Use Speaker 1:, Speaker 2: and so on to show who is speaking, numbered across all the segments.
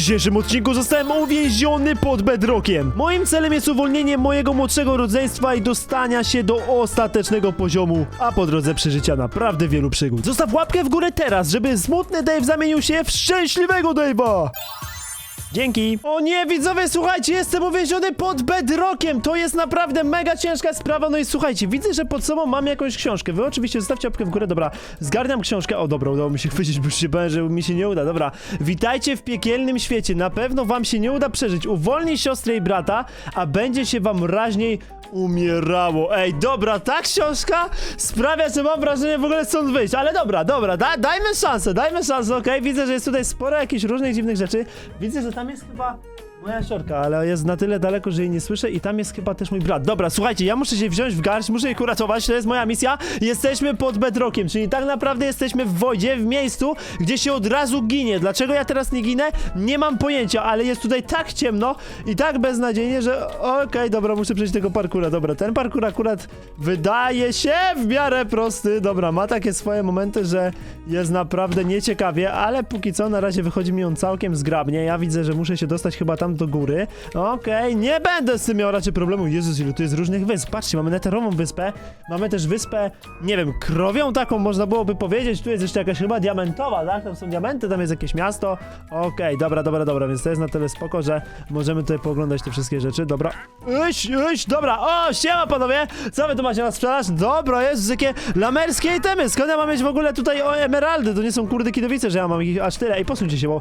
Speaker 1: dzisiejszym odcinku zostałem uwięziony pod bedrockiem. Moim celem jest uwolnienie mojego młodszego rodzeństwa i dostania się do ostatecznego poziomu, a po drodze przeżycia naprawdę wielu przygód. Zostaw łapkę w górę teraz, żeby smutny Dave zamienił się w szczęśliwego Dave'a. Dzięki. O nie, widzowie, słuchajcie, jestem uwięziony pod bedrockiem. To jest naprawdę mega ciężka sprawa. No i słuchajcie, widzę, że pod sobą mam jakąś książkę. Wy oczywiście zostawcie łapkę w górę. Dobra, zgarniam książkę. O, dobra, udało mi się chwycić, bo już się bałem, że mi się nie uda. Dobra, witajcie w piekielnym świecie. Na pewno wam się nie uda przeżyć. Uwolnij siostrę i brata, a będzie się wam raźniej umierało. Ej, dobra, ta książka sprawia, że mam wrażenie w ogóle stąd wyjść. Ale dobra, dajmy szansę, okej? Widzę, że jest tutaj sporo jakichś różnych dziwnych rzeczy. Widzę, że tam jest chyba moja siorka, ale jest na tyle daleko, że jej nie słyszę i tam jest chyba też mój brat. Dobra, słuchajcie, ja muszę się wziąć w garść, muszę ich uratować, to jest moja misja. Jesteśmy pod bedrockiem, czyli tak naprawdę jesteśmy w wodzie, w miejscu, gdzie się od razu ginie. Dlaczego ja teraz nie ginę? Nie mam pojęcia, ale jest tutaj tak ciemno i tak beznadziejnie, że okej, dobra, muszę przejść tego parkura. Dobra, ten parkur akurat wydaje się w miarę prosty. Dobra, ma takie swoje momenty, że jest naprawdę nieciekawie, ale póki co na razie wychodzi mi on całkiem zgrabnie. Ja widzę, że muszę się dostać chyba tam do góry. Okej, nie będę z tym miał raczej problemu. Jezus, ile tu jest różnych wysp. Patrzcie, mamy neterową wyspę, mamy też wyspę, nie wiem, krowią taką można byłoby powiedzieć. Tu jest jeszcze jakaś chyba diamentowa, tak? Tam są diamenty, tam jest jakieś miasto. Okej, dobra, więc to jest na tyle spoko, że możemy tutaj pooglądać te wszystkie rzeczy. Dobra, dobra, o, siema panowie! Co wy tu macie na sprzedaż? Dobra, jest jakie lamerskie itemy. Skąd ja mam mieć w ogóle tutaj emeraldy? To nie są kurde kidowice, że ja mam ich aż tyle. Ej, posuńcie się, bo...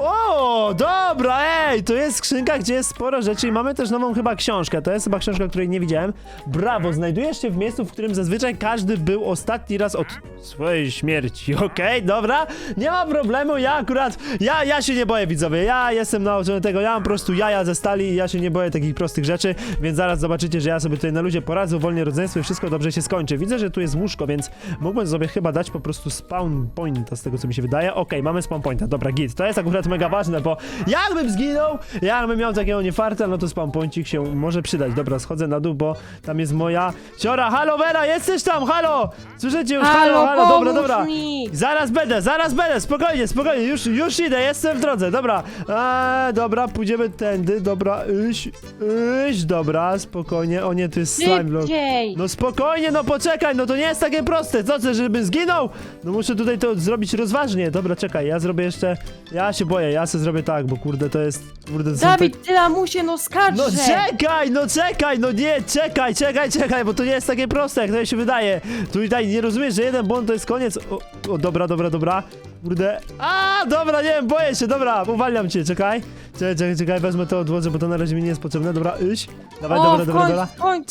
Speaker 1: O, dobra, ej, to jest skrzynka, gdzie jest sporo rzeczy i mamy też nową chyba książkę. To jest chyba książka, której nie widziałem. Brawo, znajdujesz się w miejscu, w którym zazwyczaj każdy był ostatni raz od swojej śmierci. Okej, dobra, nie ma problemu, ja akurat, ja się nie boję, widzowie, ja jestem nauczony tego, ja mam po prostu jaja ze stali i ja się nie boję takich prostych rzeczy, więc zaraz zobaczycie, że ja sobie tutaj na luzie poradzę, uwolnię rodzeństwo i wszystko dobrze się skończy. Widzę, że tu jest łóżko, więc mógłbym sobie chyba dać po prostu spawn pointa, z tego co mi się wydaje. Okej, mamy spawn pointa, dobra, git, to jest akurat mega ważne, bo jakbym zginął, jakbym miał takiego niefarta, no to spawn pointik się może przydać. Dobra, schodzę na dół, bo tam jest moja siora. Halo, Vera, jesteś tam, halo! Słyszycie już, halo, dobra. Zaraz będę, spokojnie, już idę, jestem w drodze, dobra. Dobra, pójdziemy tędy, dobra, dobra, spokojnie, o nie, to jest slime block. No spokojnie, no poczekaj, no to nie jest takie proste, co chcesz, żebym zginął? No muszę tutaj to zrobić rozważnie, dobra, czekaj, ja zrobię jeszcze, ja się boję, ja sobie zrobię tak, bo kurde, to jest, kurde, to
Speaker 2: Dawid, ty lamusie, no skarżę!
Speaker 1: No czekaj, no nie, czekaj, bo to nie jest takie proste, jak to się wydaje. Tutaj nie rozumiesz, że jeden błąd to jest koniec. O, dobra. Kurde. Dobra, nie wiem, boję się, dobra, uwalniam cię, czekaj, wezmę to, odłożę, bo to na razie mi nie jest potrzebne, dobra, dawaj, dobra.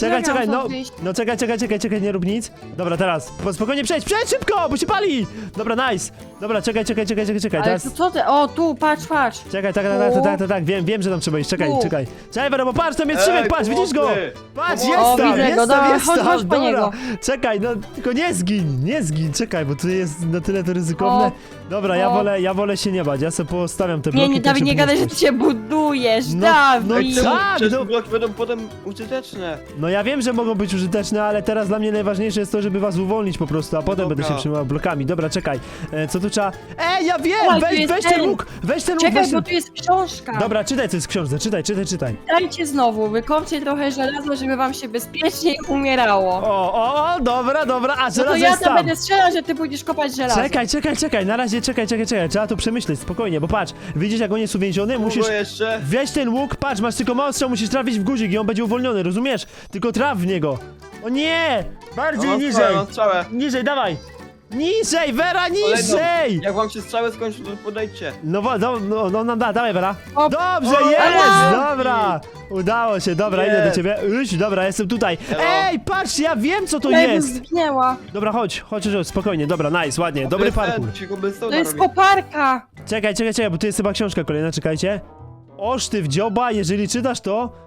Speaker 1: Czekaj, nie rób nic. Dobra, teraz, spokojnie przejdź szybko, bo się pali! Dobra, nice. Dobra, czekaj,
Speaker 2: Ale
Speaker 1: teraz.
Speaker 2: to co ty? O, tu, patrz.
Speaker 1: Czekaj, tak, wiem, że tam trzeba iść, czekaj. Czekaj, Vera, bo patrz, tam jest Szymek, patrz, widzisz go? Patrz, jest tam,
Speaker 2: widzę go, dobra, chodź po
Speaker 1: dobra.
Speaker 2: niego.
Speaker 1: Czekaj, no, tylko nie zgin, czekaj, bo tu jest na tyle to ryzykowne. Dobra, ja wolę się nie bać, ja sobie postawiam te bloki.
Speaker 2: Nie, Dawid, nie gadaj, że ty się budujesz, Dawid!
Speaker 3: Te bloki będą potem użyteczne.
Speaker 1: No ja wiem, że mogą być użyteczne, ale teraz dla mnie najważniejsze jest to, żeby was uwolnić po prostu, a potem będę się przejmował blokami. Dobra, czekaj, co tu trzeba... ja wiem! Weź ten łuk!
Speaker 2: Czekaj, bo tu jest książka!
Speaker 1: Dobra, czytaj, co jest w książce, czytaj.
Speaker 2: Dajcie znowu, wykopcie trochę żelaza, żeby wam się bezpiecznie umierało.
Speaker 1: Dobra, a
Speaker 2: No
Speaker 1: żelazo
Speaker 2: to ja
Speaker 1: jest
Speaker 2: tam
Speaker 1: tam!
Speaker 2: będę strzelał, że ty pójdziesz kopać żelazo.
Speaker 1: Czekaj, na razie czekaj, trzeba to przemyśleć, spokojnie, bo patrz, widzisz jak on jest uwięziony, musisz...
Speaker 3: jeszcze?
Speaker 1: Weź ten łuk, patrz, masz tylko mały strzał, musisz trafić w guzik i on będzie uwolniony, rozumiesz? Tylko traf w niego. O nie! Bardziej niżej!
Speaker 3: Strzałę.
Speaker 1: Niżej, dawaj! Niżej, Vera, niżej!
Speaker 3: Jak wam się strzały skończą, to podejdźcie.
Speaker 1: Dawaj, Vera.
Speaker 2: O,
Speaker 1: Dobrze,
Speaker 3: o,
Speaker 1: jest!
Speaker 3: o,
Speaker 1: Dobra! Udało się, dobra, idę do ciebie. Dobra, jestem tutaj.
Speaker 3: Hello.
Speaker 1: Ej, patrz, ja wiem co to
Speaker 2: Ja bym
Speaker 1: jest!
Speaker 2: zginęła.
Speaker 1: Dobra, chodź, spokojnie, dobra, nice, ładnie, dobry parkour.
Speaker 2: To jest koparka.
Speaker 1: Czekaj, bo tu jest chyba książka kolejna, czekajcie. Oszty w dzioba, jeżeli czytasz to,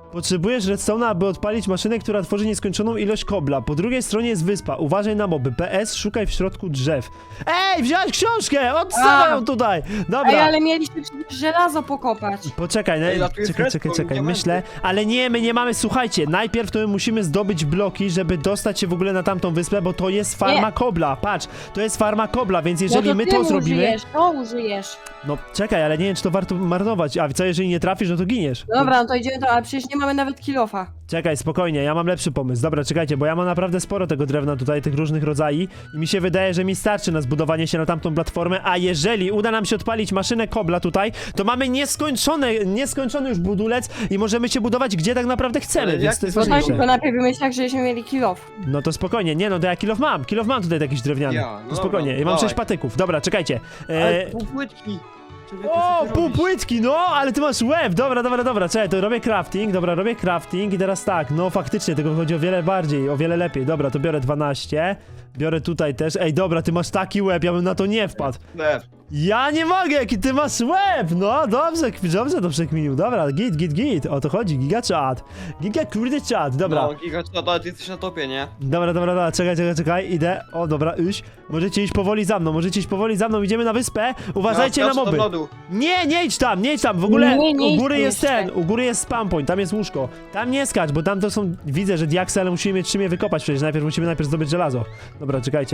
Speaker 1: Potrzebujesz redstone'a, aby odpalić maszynę, która tworzy nieskończoną ilość kobla. Po drugiej stronie jest wyspa. Uważaj na moby. PS, szukaj w środku drzew. Ej, wziąłeś książkę! Odstawaj ją tutaj!
Speaker 2: Ej,
Speaker 1: Dobra.
Speaker 2: ale mieliśmy przecież żelazo pokopać.
Speaker 1: Poczekaj,
Speaker 3: Ej, a tu jest
Speaker 1: czekaj,
Speaker 3: redstone, diamenty.
Speaker 1: myślę. Ale nie, my nie mamy, słuchajcie, najpierw to my musimy zdobyć bloki, żeby dostać się w ogóle na tamtą wyspę, bo to jest farma
Speaker 2: Nie.
Speaker 1: kobla. Patrz, to jest farma kobla, więc jeżeli
Speaker 2: no to
Speaker 1: my
Speaker 2: ty
Speaker 1: to zrobimy...
Speaker 2: użyjesz, to użyjesz.
Speaker 1: No czekaj, ale nie wiem, czy to warto marnować. A co, jeżeli nie trafisz, no to giniesz.
Speaker 2: Dobra, no to idziemy to, ale przecież nie mamy nawet kilofa.
Speaker 1: Czekaj, spokojnie, ja mam lepszy pomysł. Dobra, czekajcie, bo ja mam naprawdę sporo tego drewna tutaj, tych różnych rodzajów i mi się wydaje, że mi starczy na zbudowanie się na tamtą platformę, a jeżeli uda nam się odpalić maszynę kobla tutaj, to mamy nieskończony już budulec i możemy się budować gdzie tak naprawdę chcemy,
Speaker 3: Ale
Speaker 1: więc
Speaker 3: jak
Speaker 1: to jest
Speaker 3: to
Speaker 2: Bo tak,
Speaker 1: ważniejsze.
Speaker 2: tylko najpierw wymyślać, żebyśmy mieli kilof.
Speaker 1: No to spokojnie, nie no, to ja kilof mam tutaj jakiś drewniany.
Speaker 3: Ja, no
Speaker 1: To spokojnie,
Speaker 3: dobra,
Speaker 1: ja mam
Speaker 3: dawaj.
Speaker 1: 6 patyków. Dobra, czekajcie.
Speaker 3: Ale pół płytki. Człowieku,
Speaker 1: O,
Speaker 3: co ty
Speaker 1: pół
Speaker 3: robisz?
Speaker 1: płytki, no, ale ty masz łeb, dobra, czekaj, to robię crafting, dobra, robię crafting i teraz tak, no faktycznie, tego chodzi o wiele lepiej, dobra, to biorę 12, biorę tutaj też, ej, dobra, ty masz taki łeb, ja bym na to nie wpadł.
Speaker 3: Chleb.
Speaker 1: Ja nie mogę, jaki ty masz łeb, no, dobrze to przekminił, dobra, git, o to chodzi, giga chat, kurde chat, dobra.
Speaker 3: No, giga, ale ty jesteś na topie, nie?
Speaker 1: Dobra, czekaj, idę, o, dobra, możecie iść powoli za mną, idziemy na wyspę, uważajcie na
Speaker 3: skacz
Speaker 1: moby.
Speaker 3: do lodu.
Speaker 1: Nie idź tam, w ogóle
Speaker 2: Nie
Speaker 1: u
Speaker 2: idź
Speaker 1: góry
Speaker 2: tam
Speaker 1: jest
Speaker 2: jeszcze.
Speaker 1: u góry jest spam point, tam jest łóżko. Tam nie skacz, bo tam to są, widzę, że diaksy, ale musimy mieć czym je wykopać przecież, musimy zdobyć żelazo. Dobra, czekajcie.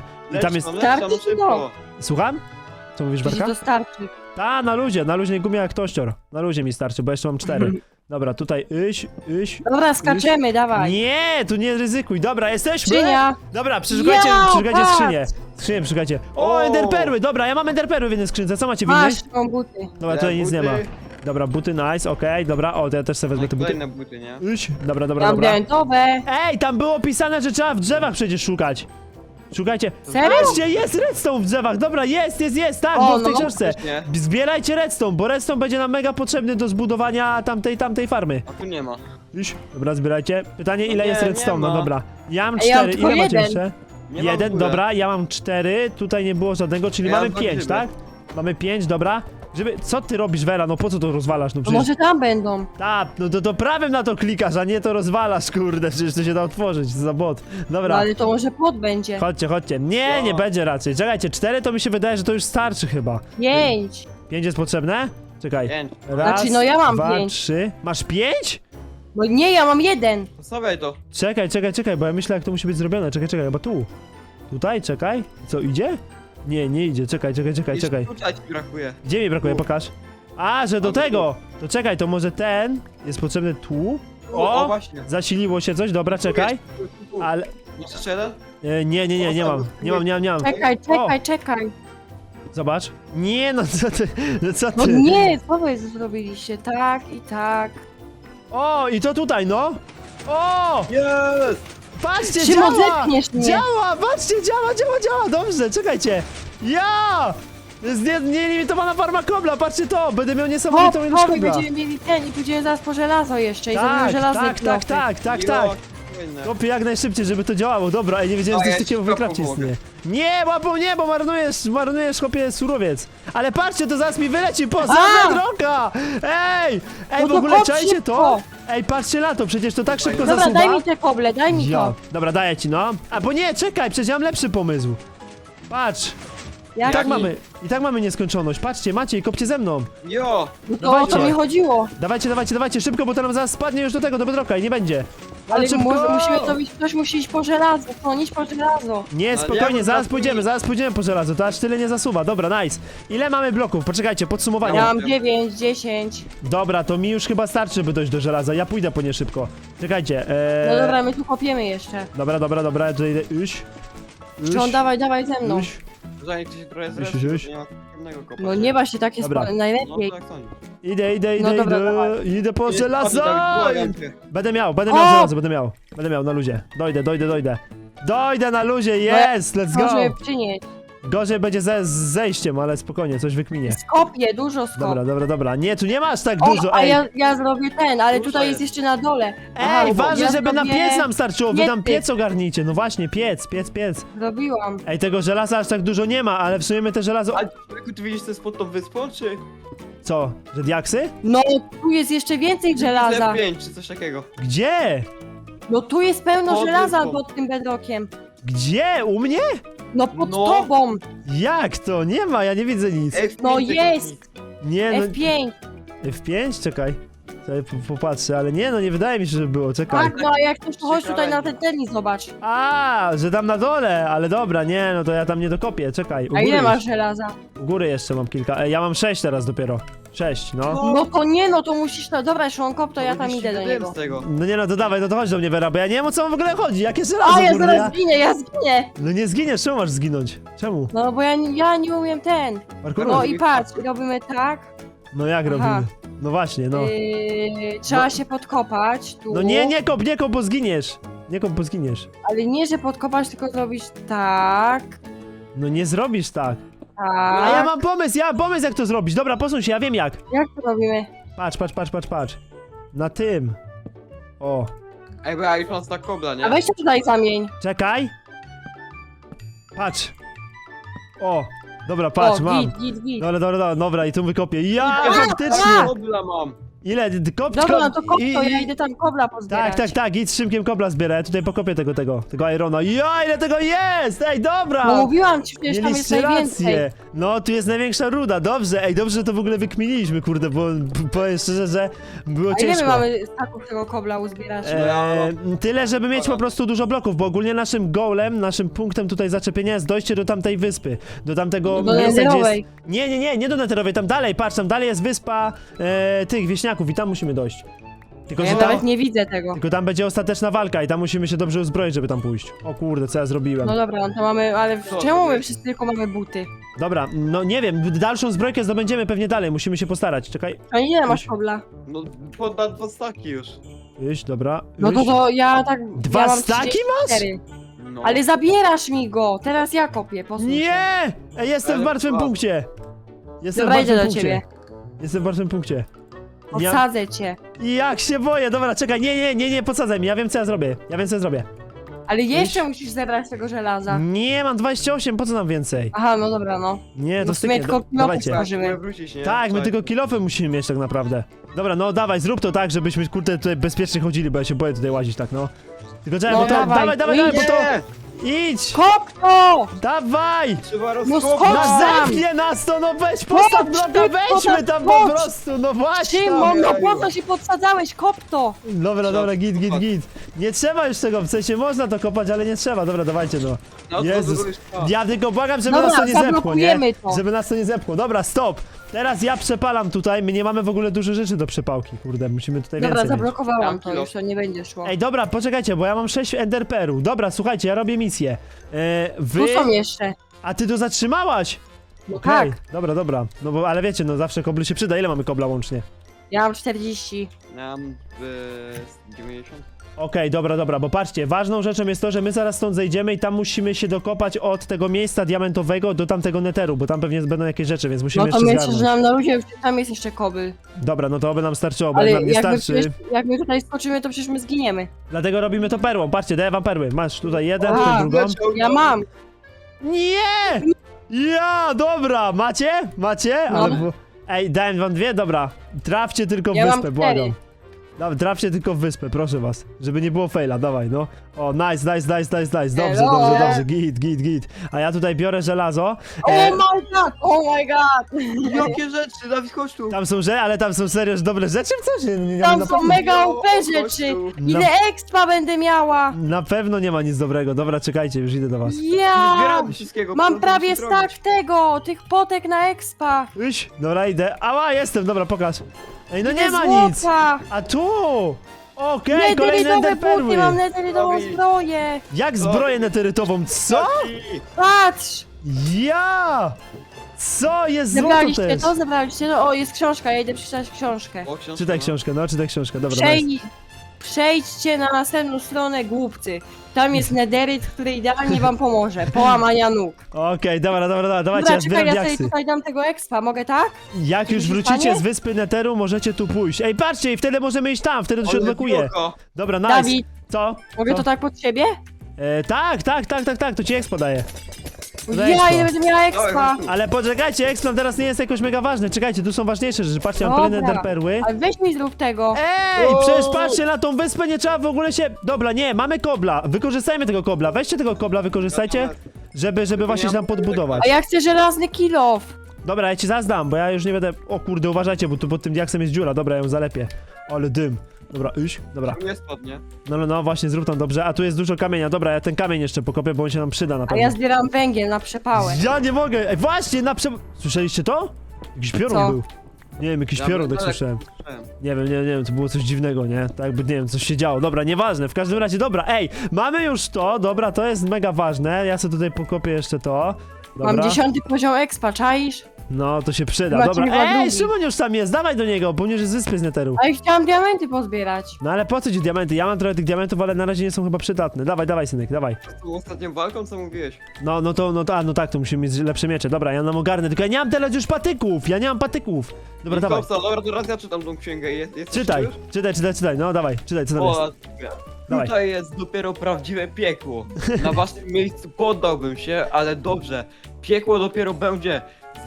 Speaker 1: I tam jest,
Speaker 2: Starczy
Speaker 3: no
Speaker 2: ci
Speaker 3: szybko.
Speaker 1: słucham? Co mówisz,
Speaker 2: Przecież
Speaker 1: Barka?
Speaker 2: to starczy.
Speaker 1: Ta, na luzie gumia jak tościor. Na luzie mi starczy, bo jeszcze mam 4. Dobra, tutaj iść.
Speaker 2: Dobra, skaczemy, dawaj.
Speaker 1: Nie, tu nie ryzykuj, dobra, jesteśmy!
Speaker 2: Skrzynia.
Speaker 1: Dobra, przeszukajcie
Speaker 2: patrz!
Speaker 1: skrzynię. Skrzynię przeszukajcie. O,
Speaker 3: O!
Speaker 1: enderperły, dobra, ja mam enderperły w jednej skrzynce, co macie w innej?
Speaker 2: Masz tą buty.
Speaker 1: Dobra, tutaj nic nie ma.
Speaker 3: Buty.
Speaker 1: Dobra, buty nice, okej, dobra, o, to ja też sobie wezmę te buty.
Speaker 3: Kolejne buty, nie?
Speaker 1: Iść, dobra.
Speaker 2: Mam diamentowe.
Speaker 1: Ej, tam było pisane, że trzeba w drzewach przecież szukać. Szukajcie.
Speaker 2: Serio?
Speaker 1: Patrzcie, jest redstone w drzewach, dobra, jest, tak,
Speaker 2: O,
Speaker 1: było w tej
Speaker 2: no,
Speaker 1: książce.
Speaker 3: faktycznie.
Speaker 1: Zbierajcie redstone, bo redstone będzie nam mega potrzebny do zbudowania tamtej farmy.
Speaker 3: A tu nie ma.
Speaker 1: Iść, dobra, zbierajcie. Pytanie, ile
Speaker 3: nie,
Speaker 1: jest
Speaker 3: nie
Speaker 1: redstone, no
Speaker 3: ma.
Speaker 1: dobra. Ja mam
Speaker 2: Ej, ja mam
Speaker 1: 4,
Speaker 2: tylko
Speaker 1: ile macie
Speaker 2: jeden.
Speaker 1: jeszcze?
Speaker 3: Nie ma w
Speaker 1: Jeden,
Speaker 3: ogóle.
Speaker 1: dobra, ja mam 4, tutaj nie było żadnego, czyli
Speaker 3: Ja
Speaker 1: mamy
Speaker 3: mam
Speaker 1: 5,
Speaker 3: grzyby.
Speaker 1: tak? Mamy 5, dobra. Co ty robisz, Vera, no po co to rozwalasz, no
Speaker 2: To
Speaker 1: przecież...
Speaker 2: może tam będą.
Speaker 1: Tak, no to prawym na to klikasz, a nie to rozwalasz, kurde, przecież to się da otworzyć, co za bot.
Speaker 2: No,
Speaker 1: Dobra,
Speaker 2: ale to może płot będzie.
Speaker 1: chodźcie. Nie, nie
Speaker 3: Co?
Speaker 1: będzie raczej. Czekajcie, 4 to mi się wydaje, że to już starczy chyba.
Speaker 2: 5.
Speaker 1: 5 jest potrzebne? Czekaj.
Speaker 3: 5.
Speaker 1: Raz,
Speaker 2: Znaczy, no ja mam
Speaker 1: 2,
Speaker 2: 5.
Speaker 1: 3. Masz 5?
Speaker 2: No nie, ja mam 1.
Speaker 3: Zostawiaj to.
Speaker 1: Czekaj, bo ja myślę, jak to musi być zrobione. Czekaj, chyba tu. Tutaj, czekaj. Co, idzie? Nie idzie, czekaj.
Speaker 3: Tutaj ci brakuje.
Speaker 1: Gdzie mi brakuje,
Speaker 3: Tu.
Speaker 1: pokaż. A, że do
Speaker 3: A, tu.
Speaker 1: tego! To czekaj, to może ten jest potrzebny tu?
Speaker 3: O, właśnie.
Speaker 1: Zasiliło się coś, dobra, czekaj.
Speaker 3: Tu.
Speaker 1: Ale...
Speaker 3: Masz jeszcze jeden?
Speaker 1: Nie mam.
Speaker 2: Czekaj.
Speaker 1: Zobacz. Nie, no co ty,
Speaker 2: No nie, co wy zrobiliście? Tak i tak.
Speaker 1: O, i to tutaj, no. O,
Speaker 3: Jest!
Speaker 1: patrzcie,
Speaker 2: Szymon,
Speaker 1: działa!
Speaker 2: zepchniesz mnie.
Speaker 1: Działa, patrzcie, działa, dobrze, czekajcie. Ja! Jest nielimitowana farma kobla, patrzcie to, będę miał niesamowitą ilość
Speaker 2: Hop,
Speaker 1: kobla.
Speaker 2: będziemy mieli ten i pójdziemy zaraz po żelazo jeszcze i zrobimy
Speaker 1: Tak,
Speaker 2: żelazne
Speaker 1: tak.
Speaker 3: Jo, fajne.
Speaker 1: Kopię jak najszybciej, żeby to działało. Dobra, ej, nie wiedziałem,
Speaker 3: A,
Speaker 1: że
Speaker 3: ja
Speaker 1: coś takiego w
Speaker 3: ci
Speaker 1: Minecrafcie
Speaker 3: pomogę.
Speaker 1: istnieje. Nie, łapą nie, bo marnujesz, chłopie, surowiec. Ale patrzcie, to zaraz mi wyleci poza
Speaker 2: A!
Speaker 1: bedrocka! Ej,
Speaker 2: No
Speaker 1: w
Speaker 2: to
Speaker 1: ogóle
Speaker 2: kop
Speaker 1: czajcie to?
Speaker 2: szybko.
Speaker 1: Ej, patrzcie na to, przecież to tak szybko
Speaker 2: Dobra,
Speaker 1: zasuwa.
Speaker 2: daj mi te koble, daj mi
Speaker 1: Ja.
Speaker 2: to.
Speaker 1: Dobra, daję ci, no. A bo nie, czekaj, przecież ja mam lepszy pomysł. Patrz,
Speaker 2: Jak
Speaker 1: i tak mamy nieskończoność. Patrzcie, Maciej, kopcie ze mną.
Speaker 3: Jo!
Speaker 2: No to o to
Speaker 1: Dawajcie.
Speaker 2: mi chodziło.
Speaker 1: Dawajcie, szybko, bo to nam zaraz spadnie już do bedrocka i nie będzie.
Speaker 2: Ale
Speaker 1: szybko!
Speaker 2: musimy to być, ktoś musi iść po żelazo, iść po żelazo.
Speaker 1: Nie,
Speaker 3: Ale
Speaker 1: spokojnie,
Speaker 3: ja
Speaker 1: zaraz
Speaker 3: bym
Speaker 1: pójdziemy po żelazo, to aż tyle nie zasuwa. Dobra, nice. Ile mamy bloków? Poczekajcie, podsumowanie.
Speaker 2: Ja mam 9, 10.
Speaker 1: Dobra, to mi już chyba starczy, by dojść do żelaza. Ja pójdę po nie szybko. Czekajcie,
Speaker 2: No dobra, my tu kopiemy jeszcze.
Speaker 1: Dobra, ja tutaj idę.
Speaker 2: Czy dawaj ze mną.
Speaker 3: Zanim ktoś trochę
Speaker 1: Iść.
Speaker 3: zresztą, nie ma pewnego kopa.
Speaker 2: No nie właśnie tak jest
Speaker 1: Dobra.
Speaker 3: No
Speaker 2: najlepiej.
Speaker 3: tak sądzisz.
Speaker 1: Idę,
Speaker 2: No dobra, dawaj.
Speaker 1: idę po
Speaker 3: Jest,
Speaker 1: żelazo!
Speaker 3: błagam cię.
Speaker 1: Będę miał
Speaker 2: O!
Speaker 1: żelazo, będę miał na luzie. Dojdę. Dojdę na luzie, jest, let's go!
Speaker 2: Może przynieść.
Speaker 1: Gorzej będzie z zejściem, ale spokojnie, coś wykminie.
Speaker 2: Skopię, dużo skop.
Speaker 1: Dobra. Nie, tu nie masz tak
Speaker 2: O,
Speaker 1: dużo,
Speaker 2: a
Speaker 1: ej.
Speaker 2: ja zrobię ten, ale
Speaker 3: Dużo
Speaker 2: tutaj
Speaker 3: jest.
Speaker 2: jest jeszcze na dole. Aha,
Speaker 1: Ej,
Speaker 2: bo
Speaker 1: ważne,
Speaker 2: ja
Speaker 1: żeby na
Speaker 2: zrobię-
Speaker 1: piec nam starczyło, wy tam
Speaker 2: Piecy.
Speaker 1: piec ogarnijcie, no właśnie, piec.
Speaker 2: Zrobiłam.
Speaker 1: Ej, tego żelaza aż tak dużo nie ma, ale w sumie my te żelazo...
Speaker 3: Ale człowieku, ty widzisz, co jest pod tą wyspą, czy?
Speaker 1: Co? Że diaksy?
Speaker 2: No, tu jest jeszcze więcej żelaza.
Speaker 3: 5 czy coś takiego.
Speaker 1: Gdzie?
Speaker 2: No tu jest pełno
Speaker 3: Pod
Speaker 2: żelaza
Speaker 3: wyspą.
Speaker 2: pod tym bedrockiem.
Speaker 1: Gdzie? U mnie?
Speaker 2: No pod
Speaker 3: No.
Speaker 2: tobą.
Speaker 1: Jak to? Nie ma, ja nie widzę nic.
Speaker 3: F5
Speaker 2: No
Speaker 3: tego
Speaker 2: jest.
Speaker 3: nic.
Speaker 1: Nie, no...
Speaker 2: F5.
Speaker 1: F5? Czekaj. Sobie popatrzę, ale nie, no nie wydaje mi się, żeby było, czekaj.
Speaker 2: Tak, no a jak ktoś to chodź
Speaker 3: Ciekawe.
Speaker 2: tutaj na ten tenis, zobacz.
Speaker 1: A, że tam na dole, ale dobra, nie, no to ja tam nie dokopię, czekaj. U
Speaker 2: A
Speaker 1: góry
Speaker 2: ile masz
Speaker 1: jeszcze-
Speaker 2: żelaza?
Speaker 1: U góry jeszcze mam kilka, ja mam 6 teraz dopiero. 6, no.
Speaker 2: No to nie, no to musisz, no dobra, Szłonkop, to ja tam
Speaker 3: Robisz
Speaker 2: idę do
Speaker 3: dym
Speaker 2: niego.
Speaker 3: z tego.
Speaker 1: No nie no, to dawaj, no to chodź do mnie, Vera, bo ja nie wiem, o co wam w ogóle chodzi, jakie żelazo,
Speaker 2: A, ja
Speaker 1: kurde,
Speaker 2: zaraz zginę, ja zginę.
Speaker 1: No nie zginiesz, czemu masz zginąć? Czemu?
Speaker 2: No bo ja nie umiem ten.
Speaker 1: Parkouru?
Speaker 2: No i patrz, robimy tak.
Speaker 1: No jak
Speaker 2: Aha.
Speaker 1: robimy? No właśnie, no.
Speaker 2: Trzeba
Speaker 1: No.
Speaker 2: się podkopać tu.
Speaker 1: No nie kop, bo zginiesz. Nie kop, bo zginiesz.
Speaker 2: Ale nie, że podkopać, tylko zrobić tak.
Speaker 1: No nie zrobisz tak.
Speaker 2: Tak.
Speaker 1: A ja mam pomysł, jak to zrobić. Dobra, posuń się, ja wiem jak.
Speaker 2: Jak to robimy?
Speaker 1: Patrz. Na tym. O,
Speaker 3: Ej, bo ja już mam tak kobla, nie?
Speaker 2: A weź się tutaj zamień.
Speaker 1: czekaj. Patrz. O, dobra, patrz,
Speaker 2: O,
Speaker 1: mam.
Speaker 2: git.
Speaker 1: Dobra, i tu wykopię. Ja,
Speaker 3: Ej,
Speaker 1: faktycznie.
Speaker 3: Kobla mam.
Speaker 1: Ile? Kop,
Speaker 2: Dobra, no to kop to, ja
Speaker 1: i-
Speaker 2: idę tam kobla pozbierać.
Speaker 1: Tak, idź z Szymkiem kobla zbierę, ja tutaj pokopię tego Irona. Ja, ile tego jest! Ej, dobra!
Speaker 2: No mówiłam ci, przecież tam jest
Speaker 1: Mieliście
Speaker 2: najwięcej.
Speaker 1: rację. No, tu jest największa ruda, dobrze. Ej, dobrze, że to w ogóle wykminiliśmy, kurde, bo powiem szczerze, że było
Speaker 2: A ile
Speaker 1: ciężko.
Speaker 2: my mamy staków tego kobla uzbierać?
Speaker 1: Tyle, żeby mieć po prostu dużo bloków, bo ogólnie naszym goalem, naszym punktem tutaj zaczepienia jest dojście do tamtej wyspy. Do tamtego
Speaker 2: Do
Speaker 1: miejsca, gdzie jest...
Speaker 2: Netherowej.
Speaker 1: Nie do Netherowej, tam dalej, patrz, tam dalej jest wyspa tych wieśniaków i tam musimy dojść. Tylko,
Speaker 2: Ja
Speaker 1: że tam,
Speaker 2: nawet nie widzę tego.
Speaker 1: tylko tam będzie ostateczna walka i tam musimy się dobrze uzbroić, żeby tam pójść. O kurde, co ja zrobiłem.
Speaker 2: No dobra, no to mamy, ale
Speaker 3: Co
Speaker 2: czemu my
Speaker 3: zrobiłeś?
Speaker 2: wszyscy tylko mamy buty?
Speaker 1: Dobra, no nie wiem, dalszą zbrojkę zdobędziemy pewnie dalej, musimy się postarać. Czekaj,
Speaker 2: A ile masz kobla?
Speaker 3: No, dwa staki już.
Speaker 1: iść, dobra.
Speaker 2: No to
Speaker 1: iść.
Speaker 2: ja tak...
Speaker 1: Dwa
Speaker 2: ja mam
Speaker 1: staki
Speaker 2: 34.
Speaker 3: No.
Speaker 2: Ale zabierasz mi go! Teraz ja kopię, posłuchaj.
Speaker 1: Nie! Ej, jestem w
Speaker 3: Ale
Speaker 1: martwym
Speaker 3: słabo.
Speaker 1: punkcie. Jestem
Speaker 2: Dobra,
Speaker 1: w martwym
Speaker 2: idę do
Speaker 1: punkcie.
Speaker 2: ciebie.
Speaker 1: Jestem w martwym punkcie.
Speaker 2: Podsadzę cię.
Speaker 1: Jak się boję, dobra, czekaj, nie, podsadzaj mi, ja wiem co ja zrobię.
Speaker 2: Ale jeszcze musisz zebrać tego żelaza.
Speaker 1: Nie, mam 28, po co nam więcej?
Speaker 2: Aha, no dobra, no.
Speaker 1: Nie, to
Speaker 2: No w sumie
Speaker 1: styknie,
Speaker 2: tylko kilofy
Speaker 1: dawajcie.
Speaker 2: są.
Speaker 3: Musimy wrócić, nie?
Speaker 1: Tak, my
Speaker 3: Czekaj.
Speaker 1: tylko kilofy musimy mieć tak naprawdę. Dobra, no dawaj, zrób to tak, żebyśmy kurde tutaj bezpiecznie chodzili, bo ja się boję tutaj łazić tak, no. Tylko czekaj,
Speaker 2: No
Speaker 1: bo to,
Speaker 2: dawaj,
Speaker 1: dawaj, bo to...
Speaker 3: Nie!
Speaker 1: Idź!
Speaker 2: Kop to!
Speaker 1: Dawaj!
Speaker 3: Trzeba
Speaker 2: No
Speaker 3: rozkopać!
Speaker 2: skocz
Speaker 1: No
Speaker 2: tam!
Speaker 1: zepnie nas to, no weź, postaw
Speaker 2: Chodź,
Speaker 1: bloka,
Speaker 2: szybko,
Speaker 1: wejdźmy
Speaker 2: tak,
Speaker 1: tam po
Speaker 2: chodź.
Speaker 1: prostu, no właśnie!
Speaker 2: Szymon, no
Speaker 3: Jeju.
Speaker 2: po co się podsadzałeś? Kop to!
Speaker 1: Dobra, git. Nie trzeba już tego, w sensie można to kopać, ale nie trzeba, dobra, dawajcie no.
Speaker 3: No to
Speaker 1: Jezus,
Speaker 3: zrobisz to.
Speaker 1: ja tylko błagam, żeby
Speaker 2: Dobra,
Speaker 1: nas to nie zepchło, nie?
Speaker 2: zablokujemy to.
Speaker 1: Żeby nas to nie zepchło, dobra, stop! Teraz ja przepalam tutaj, my nie mamy w ogóle dużo rzeczy do przepałki, kurde, musimy tutaj
Speaker 2: Dobra,
Speaker 1: więcej mieć.
Speaker 2: zablokowałam
Speaker 3: Mam
Speaker 2: to,
Speaker 3: kilo.
Speaker 2: już to nie będzie szło.
Speaker 1: Ej, dobra, poczekajcie, bo ja mam 6 enderperu. Dobra, słuchajcie, ja robię misję. Wy...
Speaker 2: Tu są jeszcze.
Speaker 1: A ty to zatrzymałaś?
Speaker 2: No
Speaker 1: Okej,
Speaker 2: tak,
Speaker 1: dobra. No bo, ale wiecie, no zawsze kobly się przyda. Ile mamy kobla łącznie?
Speaker 2: ja mam 40.
Speaker 3: Ja mam 90.
Speaker 1: Okej, dobra, bo patrzcie, ważną rzeczą jest to, że my zaraz stąd zejdziemy i tam musimy się dokopać od tego miejsca diamentowego do tamtego neteru, bo tam pewnie będą jakieś rzeczy, więc musimy
Speaker 2: No to
Speaker 1: jeszcze
Speaker 2: myślę,
Speaker 1: zgarnąć.
Speaker 2: że nam na ludzie, tam jest jeszcze kobyl.
Speaker 1: Dobra, no to oby nam starczyło, bo
Speaker 2: Ale
Speaker 1: jak nam nie
Speaker 2: jak my,
Speaker 1: starczy.
Speaker 2: jak my tutaj skoczymy, to przecież my zginiemy.
Speaker 1: Dlatego robimy to perłą. Patrzcie, daję wam perły. Masz tutaj jeden,
Speaker 2: Aha.
Speaker 1: tutaj drugą.
Speaker 2: Ja mam.
Speaker 1: Nie! Ja, dobra, macie?
Speaker 2: No.
Speaker 1: Ale ej, dałem wam dwie? Dobra. Trafcie tylko w
Speaker 2: Ja mam
Speaker 1: wyspę,
Speaker 2: 4.
Speaker 1: błagam. Dobra, trafcie tylko w wyspę, proszę was. Żeby nie było faila, dawaj, no. O, nice. Dobrze, git. A ja tutaj biorę żelazo.
Speaker 2: Oh my god!
Speaker 3: Jakie rzeczy, Dawid, chodź tu.
Speaker 1: Tam są ale tam są serio dobre rzeczy w coś?
Speaker 2: Tam są mega OP
Speaker 3: chodź
Speaker 2: rzeczy!
Speaker 3: tu.
Speaker 2: Ile expa będę miała!
Speaker 1: Na pewno nie ma nic dobrego. Dobra, czekajcie, już idę do was.
Speaker 2: Ja!
Speaker 3: Zbieramy wszystkiego.
Speaker 2: Mam
Speaker 3: co
Speaker 2: prawie
Speaker 3: musimy
Speaker 2: stack
Speaker 3: robić.
Speaker 2: tego, tych potek na expa!
Speaker 1: Iś, dobra, idę. Ała, jestem, dobra, pokaż. Ej, no nie
Speaker 2: Ile
Speaker 1: ma
Speaker 2: złota!
Speaker 1: nic. A tu! Okej, kolejne
Speaker 2: Netherytowe
Speaker 1: enderperły.
Speaker 2: buty, mam netherytową
Speaker 3: Robi.
Speaker 2: zbroję!
Speaker 1: Jak zbroję neterytową? Co?
Speaker 3: Taki.
Speaker 2: Patrz!
Speaker 1: Ja! Co? Jest złoto
Speaker 2: Zebraliście
Speaker 1: też.
Speaker 2: to? Zebraliście to? O, jest książka, ja idę przeczytać książkę.
Speaker 3: O, książka,
Speaker 1: Czytaj
Speaker 3: no.
Speaker 1: książkę, no, czytaj książkę, dobra.
Speaker 2: Przejdźcie na następną stronę, głupcy. Tam jest nederyt, który idealnie wam pomoże. Połamania nóg.
Speaker 1: Okej, dobra, dawajcie,
Speaker 2: Dobra,
Speaker 1: ja
Speaker 2: czekaj,
Speaker 1: zbieram
Speaker 2: ja sobie
Speaker 1: diaksy.
Speaker 2: tutaj dam tego expa, mogę tak?
Speaker 1: Jak już
Speaker 2: Coś
Speaker 1: wrócicie
Speaker 2: stanie?
Speaker 1: z wyspy Neteru, możecie tu pójść. Ej, patrzcie, i wtedy możemy iść tam, wtedy to się
Speaker 3: Ale
Speaker 1: odblokuje.
Speaker 3: biurko.
Speaker 1: Dobra, nice.
Speaker 2: Dawid,
Speaker 1: Co?
Speaker 2: mogę
Speaker 1: Co?
Speaker 2: to tak pod siebie?
Speaker 1: Tak, to ci expo daje. Za
Speaker 2: Ja
Speaker 1: expo.
Speaker 2: ile będę miała expa.
Speaker 3: Dawaj, chodź tu.
Speaker 1: Ale poczekajcie, Explon teraz nie jest jakoś mega ważny. Czekajcie, tu są ważniejsze rzeczy. Patrzcie, mam kolejne
Speaker 2: Dobra.
Speaker 1: enderperły.
Speaker 2: Ale weź mi zrób tego.
Speaker 1: Ej,
Speaker 3: O!
Speaker 1: przecież patrzcie na tą wyspę, nie trzeba w ogóle się... Dobra, nie, mamy kobla. Wykorzystajmy tego kobla. Weźcie tego kobla, wykorzystajcie, żeby właśnie się tam podbudować.
Speaker 2: A ja chcę żelazny kilof.
Speaker 1: Dobra, ja ci zazdam, bo ja już nie będę... O kurde, uważajcie, bo tu pod tym diaksem jest dziura. Dobra, ja ją zalepię. Ale dym. Dobra, iść. Dobra.
Speaker 3: Nie spadnie.
Speaker 1: No, właśnie, zrób tam dobrze. A tu jest dużo kamienia. Dobra, ja ten kamień jeszcze pokopię, bo on się nam przyda na
Speaker 2: A
Speaker 1: pewno.
Speaker 2: ja zbieram węgiel na przepałę.
Speaker 1: Ja nie mogę! Ej, właśnie, Słyszeliście to? Jakiś piorun
Speaker 2: Co?
Speaker 1: był. Nie wiem, jakiś
Speaker 3: Ja
Speaker 1: piorun,
Speaker 3: bym
Speaker 1: tak
Speaker 3: daleko
Speaker 1: słyszałem.
Speaker 3: słyszałem.
Speaker 1: Nie wiem, to było coś dziwnego, nie? Tak jakby, nie wiem, coś się działo. Dobra, nieważne, w każdym razie, dobra, ej, mamy już to, dobra, to jest mega ważne, ja sobie tutaj pokopię jeszcze to. Dobra.
Speaker 2: Mam 10 poziom expa, czaisz?
Speaker 1: No, to się przyda,
Speaker 2: Macie
Speaker 1: dobra.
Speaker 2: chyba
Speaker 1: Ej,
Speaker 2: drugi.
Speaker 1: Szymon już tam jest, dawaj do niego, bo nie z wyspy z Netheru.
Speaker 2: A ja chciałam diamenty pozbierać.
Speaker 1: No ale po co ci diamenty? Ja mam trochę tych diamentów, ale na razie nie są chyba przydatne. Dawaj, synek, dawaj.
Speaker 3: Z tą ostatnią walką, co mówiłeś?
Speaker 1: No tak, to musimy mieć lepsze miecze. Dobra, ja nam ogarnę, tylko ja nie mam teraz już patyków, ja nie mam patyków. Dobra, dawaj.
Speaker 3: Dobra, to raz ja czytam tą księgę. Jesteś
Speaker 1: Czytaj,
Speaker 3: już?
Speaker 1: czytaj, no dawaj, czytaj, co tam jest.
Speaker 3: O,
Speaker 1: Dawaj.
Speaker 3: tutaj jest dopiero prawdziwe piekło. Na waszym miejscu poddałbym się, ale dobrze. Piekło dopiero będzie.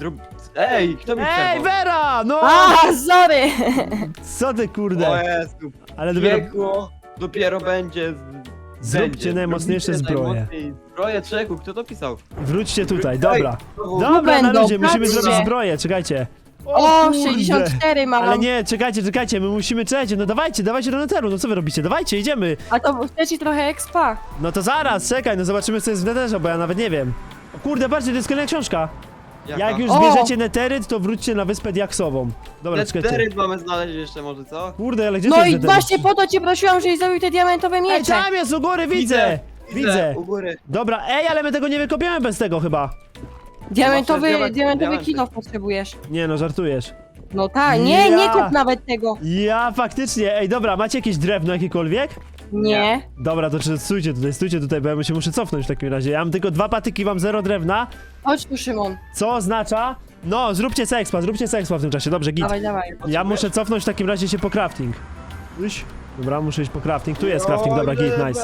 Speaker 3: Ej, kto mi
Speaker 1: Ej,
Speaker 3: przerwał?
Speaker 1: Vera, no!
Speaker 2: A, sorry!
Speaker 1: Co ty,
Speaker 3: O
Speaker 1: kurde?
Speaker 3: Jezu,
Speaker 1: Ale dopiero...
Speaker 3: piekło dopiero będzie.
Speaker 1: Zróbcie
Speaker 3: będzie.
Speaker 1: najmocniejsze
Speaker 3: Zrobicie
Speaker 1: zbroje.
Speaker 3: najmocniej Zbroje czeku, kto to pisał?
Speaker 1: Wróćcie tutaj,
Speaker 3: Ej,
Speaker 1: dobra.
Speaker 3: znowu.
Speaker 1: Dobra, na
Speaker 2: będą,
Speaker 1: ludzie, musimy
Speaker 2: patrzcie.
Speaker 1: zrobić zbroję, czekajcie.
Speaker 2: O,
Speaker 1: kurde.
Speaker 2: 64 mam.
Speaker 1: Ale nie, czekajcie, my musimy, czekajcie, no dawajcie do Netheru, no co wy robicie? Dawajcie, idziemy.
Speaker 2: A to chcesz ci trochę expa?
Speaker 1: No to zaraz, czekaj, no zobaczymy co jest w Netherze, bo ja nawet nie wiem. O kurde, patrzcie, to jest kolejna książka.
Speaker 3: Jaka?
Speaker 1: Jak już
Speaker 2: O!
Speaker 1: zbierzecie neteryt, to wróćcie na wyspę diaksową. Dobra, czekajcie.
Speaker 3: Neteryt mamy znaleźć jeszcze może, co?
Speaker 1: Kurde, ale gdzie
Speaker 2: No
Speaker 1: to jest
Speaker 2: i
Speaker 1: neteryt?
Speaker 2: właśnie po to cię prosiłam, żebyś zrobił te diamentowe
Speaker 1: Ej,
Speaker 2: miecze.
Speaker 1: tam jest, u góry, widzę!
Speaker 3: U góry.
Speaker 1: Dobra, ej, ale my tego nie wykopiemy bez tego chyba.
Speaker 2: Diamentowy
Speaker 3: Diamenty.
Speaker 2: kilof potrzebujesz.
Speaker 1: Nie no, żartujesz.
Speaker 2: No tak, nie
Speaker 1: Ja.
Speaker 2: kup nawet tego.
Speaker 1: Ja, faktycznie, ej, dobra, macie jakieś drewno jakiekolwiek?
Speaker 2: Nie.
Speaker 1: Dobra, to stójcie tutaj, bo ja się muszę cofnąć w takim razie. Ja mam tylko 2 patyki, mam 0 drewna,
Speaker 2: Chodź tu, Szymon.
Speaker 1: co oznacza... No, zróbcie sexpa w tym czasie, dobrze, git.
Speaker 2: Dawaj.
Speaker 1: Ja muszę cofnąć w takim razie się po crafting. Iść. Dobra, muszę iść po crafting, tu jest crafting, dobra, git, nice.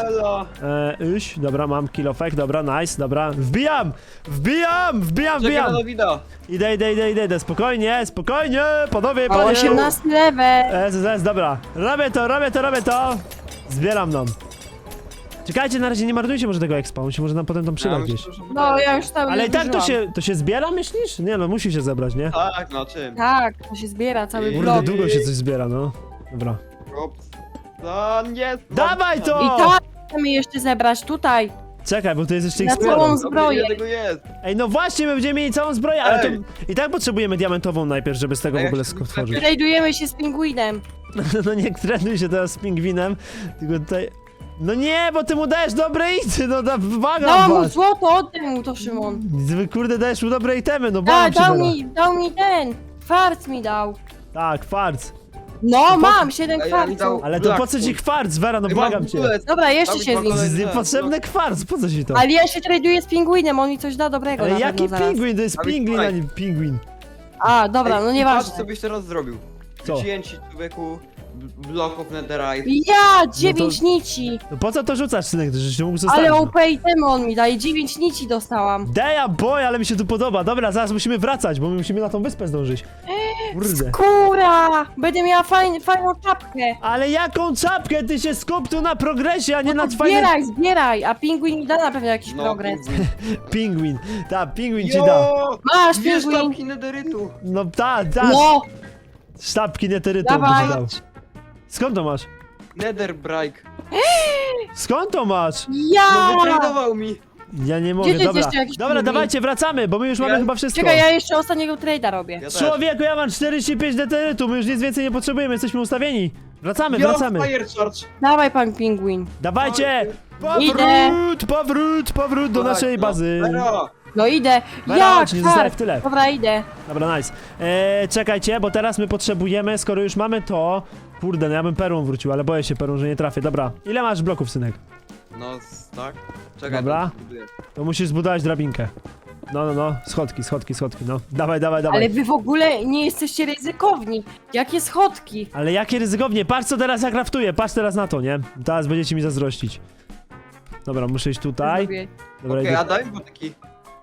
Speaker 1: Iść, dobra, mam kilofek, dobra, nice, dobra. Wbijam!
Speaker 3: Czekaj na Dawida.
Speaker 1: Idę, spokojnie, panowie,
Speaker 2: O,
Speaker 1: panie.
Speaker 2: 18 level.
Speaker 1: Dobra, robię to. Zbieram nam. Czekajcie, na razie nie marnujcie może tego expa, on się może nam potem tam przyda gdzieś.
Speaker 2: No, ja już tam
Speaker 1: Ale i tak
Speaker 2: zużyłam.
Speaker 1: to się zbiera, myślisz? Nie no, musi się zebrać, nie?
Speaker 3: Tak, no czym?
Speaker 2: Tak, to się zbiera, cały
Speaker 3: Kurde,
Speaker 1: Kurde,
Speaker 2: blok.
Speaker 1: długo się coś zbiera, no. Dobra.
Speaker 3: Ops. No nie.
Speaker 1: Dawaj to!
Speaker 2: I tak chcemy jeszcze zebrać tutaj.
Speaker 1: Czekaj, bo to jest jeszcze ich
Speaker 2: Na
Speaker 1: sporo.
Speaker 2: całą
Speaker 3: Dobrze,
Speaker 2: zbroję.
Speaker 3: ile tego jest?
Speaker 1: Ej, no właśnie, my będziemy mieli całą zbroję, ale to
Speaker 3: Ej.
Speaker 1: i tak potrzebujemy diamentową najpierw, żeby z tego
Speaker 3: A
Speaker 1: w
Speaker 3: jak
Speaker 1: ogóle
Speaker 3: się
Speaker 1: stworzyć.
Speaker 2: Tradujemy się z pingwinem.
Speaker 1: No nie trenuj się teraz z pingwinem, tylko tutaj... No nie, bo ty mu dajesz dobre ity, no błagam
Speaker 2: Dałam mu
Speaker 1: was.
Speaker 2: złoto, oddaj mu to, Szymon.
Speaker 1: Wy kurde dajesz mu dobre itemy, no
Speaker 2: A,
Speaker 1: błagam się teraz.
Speaker 2: dał mi ten. Kwarc mi dał.
Speaker 1: Tak, kwarc.
Speaker 2: No, mam 7
Speaker 3: Ej, ale mi
Speaker 2: kwarców.
Speaker 3: dał-
Speaker 1: Ale to
Speaker 3: Black
Speaker 1: po co ci
Speaker 3: Wood.
Speaker 1: kwarc, Vera, no
Speaker 3: Ej,
Speaker 1: błagam
Speaker 3: mam
Speaker 1: cię.
Speaker 3: bullet.
Speaker 2: Dobra, jeszcze
Speaker 3: Dawid
Speaker 2: się
Speaker 3: ma
Speaker 2: z nim.
Speaker 3: kolejny.
Speaker 1: Niepotrzebny kwarc, po co ci to?
Speaker 2: Ale ja się traduję z pingwinem, on mi coś da dobrego
Speaker 1: Ale
Speaker 2: na
Speaker 1: jaki
Speaker 2: pewno zaraz.
Speaker 1: pingwin? To jest
Speaker 3: Dawid,
Speaker 1: pingwin, a
Speaker 3: słuchaj.
Speaker 1: nie pingwin.
Speaker 2: A, dobra, no
Speaker 3: Patrz,
Speaker 2: nieważne.
Speaker 3: co byś teraz zrobił.
Speaker 1: Co?
Speaker 3: Wzięci człowieku bloków netherite.
Speaker 2: Ja, 9 nici.
Speaker 1: No po co to rzucasz, synek, że się mógł zostawić?
Speaker 2: Ale
Speaker 1: no.
Speaker 2: OP itemy on mi daje, 9 nici dostałam.
Speaker 1: Damn boy, ale mi się tu podoba. Dobra, zaraz musimy wracać, bo my musimy na tą wyspę zdążyć. Kurde.
Speaker 2: Kura! Będę miała fajną czapkę.
Speaker 1: Ale jaką czapkę? Ty się skup tu na progresie, a nie na fajnym...
Speaker 2: Zbieraj, a pingwin mi da na pewno jakiś progres.
Speaker 1: Pingwin. Ta, pingwin ci da.
Speaker 3: Jo!
Speaker 2: Masz,
Speaker 3: Dwie
Speaker 2: pingwin.
Speaker 3: sztabki netherytu.
Speaker 1: No ta,
Speaker 2: No,
Speaker 1: sztabki neterytu
Speaker 2: Dawaj.
Speaker 1: będzie dał. Skąd to masz?
Speaker 3: Netherbrike.
Speaker 1: Skąd to masz?
Speaker 3: No
Speaker 2: ja!
Speaker 3: wytradował mi.
Speaker 1: Ja nie
Speaker 2: Gdzie
Speaker 1: mogę,
Speaker 2: to jest
Speaker 1: dobra.
Speaker 2: jeszcze jakiś
Speaker 1: Dobra,
Speaker 2: pingwin?
Speaker 1: dawajcie, wracamy, bo my już mamy
Speaker 3: Ja-
Speaker 1: chyba wszystko.
Speaker 2: Czekaj, ja jeszcze ostatniego trade'a robię.
Speaker 3: Ja też.
Speaker 1: Człowieku, ja mam 45 neterytu, my już nic więcej nie potrzebujemy, jesteśmy ustawieni. Wracamy,
Speaker 3: Yo,
Speaker 1: wracamy.
Speaker 3: fire charge.
Speaker 2: Dawaj, pan pingwin.
Speaker 1: Dawajcie!
Speaker 2: Idę.
Speaker 1: Powrót do
Speaker 3: Tak,
Speaker 1: naszej
Speaker 3: no.
Speaker 1: bazy.
Speaker 3: Vero,
Speaker 2: No idę.
Speaker 1: Vera,
Speaker 2: Ja,
Speaker 1: chodź, nie zostaję w tyle.
Speaker 2: Dobra, idę.
Speaker 1: Dobra, nice. Czekajcie, bo teraz my potrzebujemy, skoro już mamy to... Kurde, no ja bym perłą wrócił, ale boję się perłą, że nie trafię. Dobra, ile masz bloków, synek?
Speaker 3: No, tak. Czekaj,
Speaker 1: Dobra.
Speaker 3: to zbuduję.
Speaker 1: To musisz zbudować drabinkę. No, schodki, no. Dawaj.
Speaker 2: Ale wy w ogóle nie jesteście ryzykowni. Jakie schodki?
Speaker 1: Ale jakie ryzykownie, patrz co teraz ja kraftuję, patrz teraz na to, nie? Teraz będziecie mi zazdrościć. Dobra, muszę iść tutaj.
Speaker 2: Zrobię.
Speaker 1: Dobra,
Speaker 3: Okej,
Speaker 1: idę.
Speaker 3: a daj mi taki.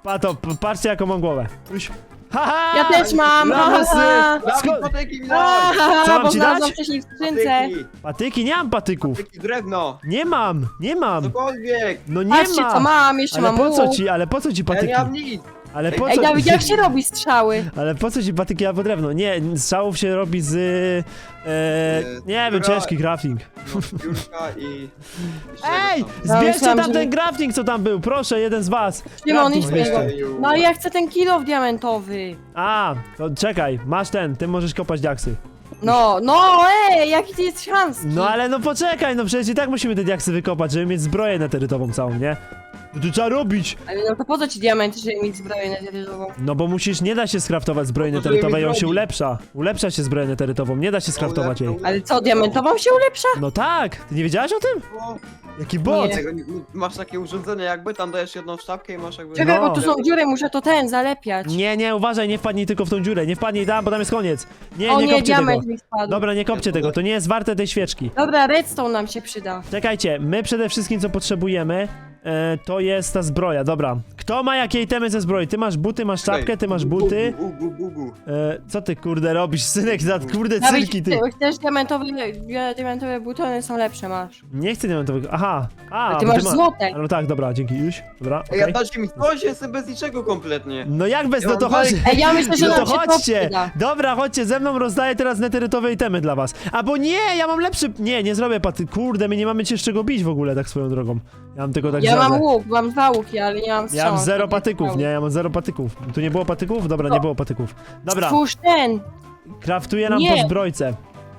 Speaker 1: Patrzcie jaką mam głowę. Uś. Haha!
Speaker 2: Ja też mam!
Speaker 1: Lamusy!
Speaker 3: Dawid,
Speaker 1: Skąd-
Speaker 3: patyki mi daj!
Speaker 1: Co mam
Speaker 2: Bo
Speaker 1: ci
Speaker 2: znalazłam
Speaker 1: dać?
Speaker 2: wcześniej w skrzynce.
Speaker 3: Patyki,
Speaker 1: Nie mam patyków.
Speaker 3: patyki, drewno,
Speaker 1: Nie mam.
Speaker 3: cokolwiek.
Speaker 1: No nie
Speaker 2: Patrzcie co
Speaker 1: mam.
Speaker 2: mam, jeszcze
Speaker 1: Ale
Speaker 2: mam
Speaker 1: po co
Speaker 2: łuk.
Speaker 1: ci,
Speaker 3: Ja
Speaker 1: patyki?
Speaker 3: nie mam nic.
Speaker 1: Ale po
Speaker 2: Ej
Speaker 1: co...
Speaker 2: Dawid, jak się robi strzały?
Speaker 1: Ale po co ci patyki albo drewno? Nie, strzałów się robi z... nie wiem,
Speaker 3: dobra.
Speaker 1: ciężki crafting.
Speaker 3: No, Julka i...
Speaker 1: Ej!
Speaker 2: No,
Speaker 1: Zbierzcie
Speaker 2: myślałam,
Speaker 1: tam
Speaker 2: że-
Speaker 1: ten crafting, co tam był, proszę, jeden z was.
Speaker 2: Szymon,
Speaker 1: Crafting
Speaker 2: idź
Speaker 1: zbierzcie.
Speaker 2: tego. No ja chcę ten kilof diamentowy.
Speaker 1: A, to czekaj, masz ten, ty możesz kopać diaksy.
Speaker 2: No, jaki ty jest chamski.
Speaker 1: No ale no poczekaj, no przecież i tak musimy te diaksy wykopać, żeby mieć zbroję neterytową całą, nie? No to trzeba robić!
Speaker 2: Ale no to po co ci diamenty, żeby mieć zbroję neterytową?
Speaker 1: No bo musisz, nie da się skraftować zbroi
Speaker 3: No to
Speaker 1: neterytowej,
Speaker 3: żeby
Speaker 1: on się
Speaker 3: zrobić.
Speaker 1: ulepsza. Ulepsza się zbroję neterytową, nie da się skraftować jej.
Speaker 2: Ale co, diamentową się ulepsza?
Speaker 1: No tak, ty nie wiedziałaś o tym?
Speaker 3: O,
Speaker 1: Jaki bot!
Speaker 2: Nie.
Speaker 3: tego nie- Masz takie urządzenie jakby, tam dajesz jedną sztabkę i masz jakby...
Speaker 2: Czekaj,
Speaker 1: No.
Speaker 2: bo tu są dziury, muszę to zalepiać.
Speaker 1: Nie, uważaj, nie wpadnij tylko w tą dziurę, nie wpadnij tam, bo tam jest koniec. Nie,
Speaker 2: O
Speaker 1: nie
Speaker 2: nie,
Speaker 1: kopcie tego.
Speaker 2: diament mi spadł.
Speaker 1: Dobra, nie kopcie tego, to nie jest warte tej świeczki.
Speaker 2: Dobra, redstone nam się przyda.
Speaker 1: Czekajcie, my przede wszystkim co potrzebujemy, to jest ta zbroja, dobra. Kto ma jakie itemy ze zbroi? Ty masz buty, masz czapkę, ty masz buty.
Speaker 3: Bugu.
Speaker 1: Co ty kurde robisz, synek, za kurde
Speaker 2: Dawid,
Speaker 1: cyrki ty.
Speaker 2: chcesz diamentowe butony są lepsze, masz.
Speaker 1: Nie chcę diamentowego, aha. A,
Speaker 2: Ty
Speaker 1: bo
Speaker 2: masz złote.
Speaker 1: No tak, dobra, dzięki, już, dobra,
Speaker 3: Ej, ja
Speaker 1: okej.
Speaker 3: dajcie mi coś, jestem bez niczego kompletnie.
Speaker 1: No jak bez,
Speaker 3: Ja
Speaker 1: no to
Speaker 3: mam
Speaker 1: chodź.
Speaker 2: Ej, ja myślę, że
Speaker 1: No
Speaker 2: nam
Speaker 1: to
Speaker 2: się to
Speaker 1: chodźcie!
Speaker 2: przyda.
Speaker 1: Dobra, chodźcie, ze mną rozdaję teraz neterytowe itemy dla was. Albo nie, ja mam lepszy... Nie zrobię paty... Kurde, my nie mamy cię z czego bić w ogóle, tak swoją drogą. Ja mam tylko tak
Speaker 2: Ja mam
Speaker 1: żadę.
Speaker 2: łuk, mam 2 łuki, ale nie mam
Speaker 1: Ja
Speaker 2: strzału.
Speaker 1: mam 0 patyków, nie? Ja mam 0 patyków. Tu nie było patyków? Dobra, nie było patyków. Dobra,
Speaker 2: Stwórz ten.
Speaker 1: kraftuję nam
Speaker 2: Nie.
Speaker 1: po zbrojce.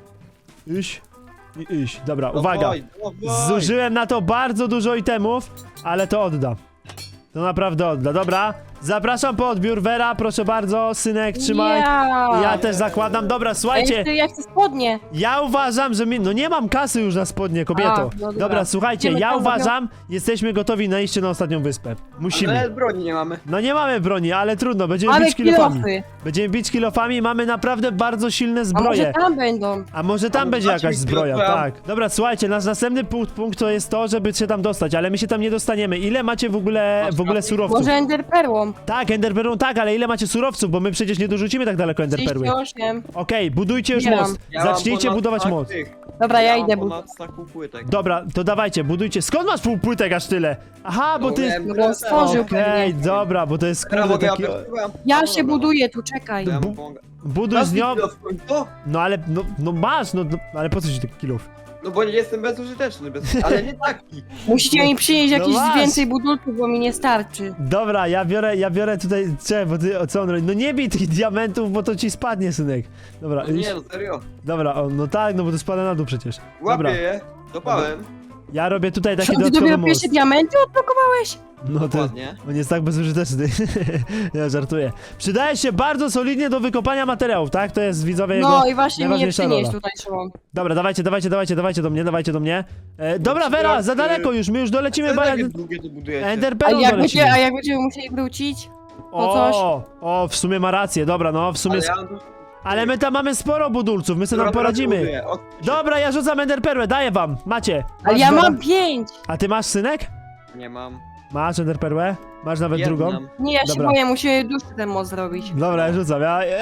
Speaker 1: Dobra, uwaga.
Speaker 3: Dawaj.
Speaker 1: Zużyłem na to bardzo dużo itemów, ale to odda. To naprawdę odda. Dobra, zapraszam po odbiór. Vera, proszę bardzo, synek, trzymaj. Ja też zakładam. Dobra, słuchajcie.
Speaker 2: Ja chcę spodnie.
Speaker 1: Ja uważam, że no nie mam kasy już na spodnie, kobieto.
Speaker 2: A, no dobra.
Speaker 1: Dobra, słuchajcie,
Speaker 2: Idziemy
Speaker 1: ja
Speaker 2: tam,
Speaker 1: uważam, jesteśmy gotowi na iście na ostatnią wyspę. Musimy.
Speaker 3: Ale broni nie mamy.
Speaker 1: No nie mamy broni, ale trudno, będziemy
Speaker 2: Mamy
Speaker 1: bić kilofami.
Speaker 2: kilofy.
Speaker 1: Będziemy bić kilofami, mamy naprawdę bardzo silne
Speaker 2: A może
Speaker 1: zbroje.
Speaker 2: tam będą?
Speaker 1: A może tam
Speaker 3: A
Speaker 1: będzie
Speaker 3: dajcie
Speaker 1: jakaś
Speaker 3: mi
Speaker 1: zbroja,
Speaker 3: kilofa.
Speaker 1: tak. Dobra, słuchajcie, nasz następny punkt to jest to, żeby się tam dostać, ale my się tam nie dostaniemy. Ile macie w ogóle surowców?
Speaker 2: Może enderperłą?
Speaker 1: Tak, enderperłą tak, ale ile macie surowców, bo my przecież nie dorzucimy tak daleko enderperły.
Speaker 2: 38.
Speaker 1: Okej, budujcie już
Speaker 2: Zbieram.
Speaker 1: most.
Speaker 3: Ja mam
Speaker 1: Zacznijcie
Speaker 3: ponad
Speaker 1: budować
Speaker 3: stak
Speaker 1: most.
Speaker 3: tych.
Speaker 2: Dobra, ja
Speaker 3: mam
Speaker 2: idę
Speaker 3: ponad staku płytek.
Speaker 1: Dobra, to dawajcie, budujcie. Skąd masz pół płytek aż tyle? Aha, bo ty...
Speaker 3: miałem
Speaker 2: No bo on
Speaker 3: presję.
Speaker 2: stworzył
Speaker 1: Okej,
Speaker 2: pewnie.
Speaker 1: dobra, bo to jest
Speaker 3: Teraz
Speaker 1: kurde
Speaker 3: mogę
Speaker 1: taki...
Speaker 2: Ja się buduję tu, czekaj.
Speaker 3: Ja
Speaker 1: Bu-
Speaker 3: mu pomogę.
Speaker 1: Buduj z nią...
Speaker 3: Masz kilo w końcu?
Speaker 1: No ale, no masz, no ale po co ci taki kilów?
Speaker 3: No bo nie jestem bezużyteczny, ale nie taki.
Speaker 2: Musicie mi przynieść
Speaker 1: No
Speaker 2: jakieś
Speaker 1: masz.
Speaker 2: więcej budulków, bo mi nie starczy.
Speaker 1: Dobra, ja biorę tutaj... Czekaj, bo ty, co on robi? No nie bij tych diamentów, bo to ci spadnie, synek. Dobra,
Speaker 3: No nie, no serio.
Speaker 1: dobra, no tak, no bo to spada na dół przecież. Dobra,
Speaker 3: Łapię je, dopałem.
Speaker 1: ja robię tutaj taki
Speaker 2: Co, ty
Speaker 1: dodatkowy
Speaker 2: dopiero
Speaker 1: most.
Speaker 2: pierwsze diamenty odblokowałeś?
Speaker 1: No to...
Speaker 3: Ładnie.
Speaker 1: On jest tak bezużyteczny. Ja żartuję. Przydaje się bardzo solidnie do wykopania materiałów, tak? To jest widzowie jego
Speaker 2: No i właśnie mnie
Speaker 1: najważniejsza
Speaker 2: przynieś
Speaker 1: rola.
Speaker 2: tutaj, Szymon.
Speaker 1: Dobra, dawajcie do mnie. Dobra, Vera, za daleko już, my już dolecimy, bo...
Speaker 3: Jak długie to budujecie?
Speaker 2: A
Speaker 1: Enderpearl
Speaker 2: jak,
Speaker 1: dolecimy.
Speaker 2: a jak będziemy musieli wrócić? po coś?
Speaker 1: W sumie ma rację, dobra, no, w sumie...
Speaker 3: Ale ja mam tu-
Speaker 1: Ale my tam mamy sporo budulców, my sobie tam
Speaker 3: Dobra,
Speaker 1: poradzimy.
Speaker 3: buduję.
Speaker 1: Dobra, ja rzucam enderperłę, daję wam, macie.
Speaker 2: Ale
Speaker 1: Masz,
Speaker 2: ja
Speaker 1: Vera?
Speaker 2: mam 5!
Speaker 1: A ty masz, synek?
Speaker 3: Nie mam.
Speaker 1: Masz enderperłę? Masz nawet drugą?
Speaker 3: Jedną.
Speaker 2: Nie, ja się
Speaker 1: Dobra.
Speaker 2: boję, musimy dłuższy ten most zrobić.
Speaker 1: Dobra, ja rzucam,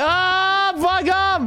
Speaker 1: błagam!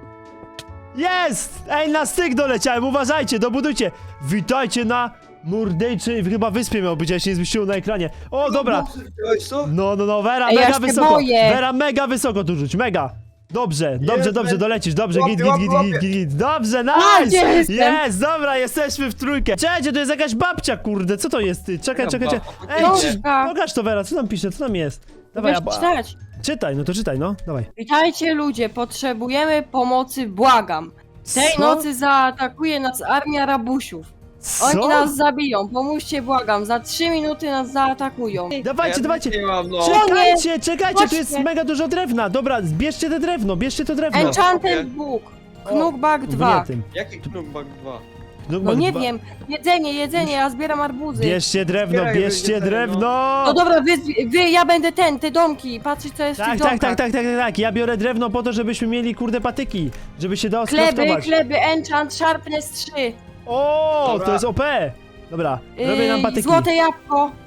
Speaker 1: Jest! Ej, na styk doleciałem, uważajcie, dobudujcie. Witajcie na murdejczej, chyba wyspie miał być, ja się nie zmieściło na ekranie. O, dobra.
Speaker 3: Widziałeś co?
Speaker 1: No, Vera,
Speaker 2: Ej, ja
Speaker 1: mega
Speaker 2: się
Speaker 1: wysoko.
Speaker 2: boję.
Speaker 1: Vera, mega wysoko tu rzuć, mega. Dobrze,
Speaker 3: Jest,
Speaker 1: dolecisz, dobrze,
Speaker 3: łapie, łapie.
Speaker 1: git. Dobrze,
Speaker 2: A,
Speaker 1: nice!
Speaker 2: gdzie jestem?
Speaker 1: Jest, dobra, jesteśmy w trójkę. Czekajcie, to jest jakaś babcia, kurde, co to jest, ty? Czekaj. Ej,
Speaker 2: Książka.
Speaker 1: pokaż to, Vera, co tam pisze, co tam jest? Dawaj,
Speaker 2: Wiesz czytać.
Speaker 1: czytaj, no to czytaj, no, dawaj.
Speaker 2: Witajcie ludzie, potrzebujemy pomocy, błagam. Tej
Speaker 1: Co?
Speaker 2: nocy zaatakuje nas armia rabusiów. Oni
Speaker 1: Co?
Speaker 2: nas zabiją, pomóżcie, błagam. Za 3 minuty nas zaatakują.
Speaker 1: Dawajcie.
Speaker 3: Nie mam, no.
Speaker 1: Czekajcie, tu jest
Speaker 2: Chodźcie.
Speaker 1: mega dużo drewna. Dobra, bierzcie to drewno.
Speaker 2: Enchanted Book. Knockback 2.
Speaker 1: Nie tym.
Speaker 3: Jaki Knockback 2?
Speaker 2: No nie wiem. Jedzenie, ja zbieram arbuzy.
Speaker 1: Bierzcie drewno,
Speaker 3: Zbieraj,
Speaker 1: bierzcie
Speaker 3: będzie
Speaker 1: drewno.
Speaker 2: No dobra, ja będę te domki, patrzeć co jest w tych domkach.
Speaker 1: Tak. Ja biorę drewno po to, żebyśmy mieli kurde patyki. Żeby się dało
Speaker 2: Kleby,
Speaker 1: skraftować.
Speaker 2: enchant, sharpness 3.
Speaker 1: O,
Speaker 3: Dobra.
Speaker 1: to jest OP. Dobra, robię nam patyki.
Speaker 2: Złote jabłko.